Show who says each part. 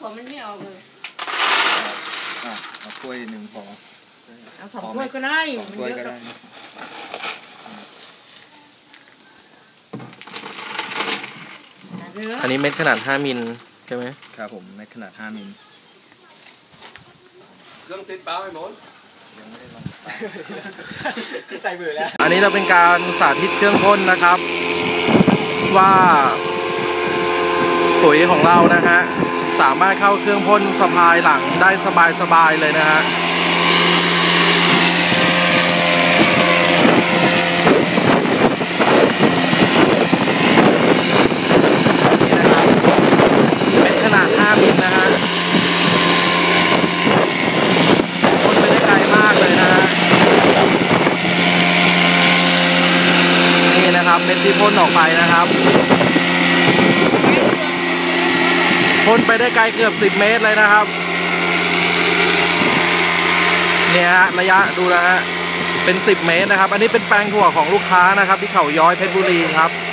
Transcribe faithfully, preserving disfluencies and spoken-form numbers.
Speaker 1: ถั่วมันไม่ออกเลย
Speaker 2: อ่ะเอาถ้วยหนึ่งพอ
Speaker 1: เอาสองถ้วยก็ได้
Speaker 2: สองถ้วยก็ได้
Speaker 3: อันนี้เม็ดขนาดห้ามิลใช่ไหม
Speaker 2: ครับผมเม็ดขนาดห้ามิล
Speaker 4: เครื่องติดเปล่าไอ้หมด
Speaker 2: ยังไม่ได้ลอง
Speaker 3: ใส่มือแล้วอันนี้เราเป็นการสาธิตเครื่องพ่นนะครับว่าปุ๋ยของเรานะฮะสามารถเข้าเครื่องพ่นสะพายหลังได้สบายๆเลยนะฮะนี่นะครับเม็ดขนาดห้ามิลนะฮะพ่นไปได้ไกลมากเลยนะฮะนี่นะครับเม็ดที่พ่นออกไปนะครับพ่นไปได้ไกลเกือบสิบเมตรเลยนะครับเนี่ยฮะระยะดูนะฮะเป็นสิบเมตรนะครับอันนี้เป็นแปลงถั่วของลูกค้านะครับที่เขาย้อยเพชรบุรีครับ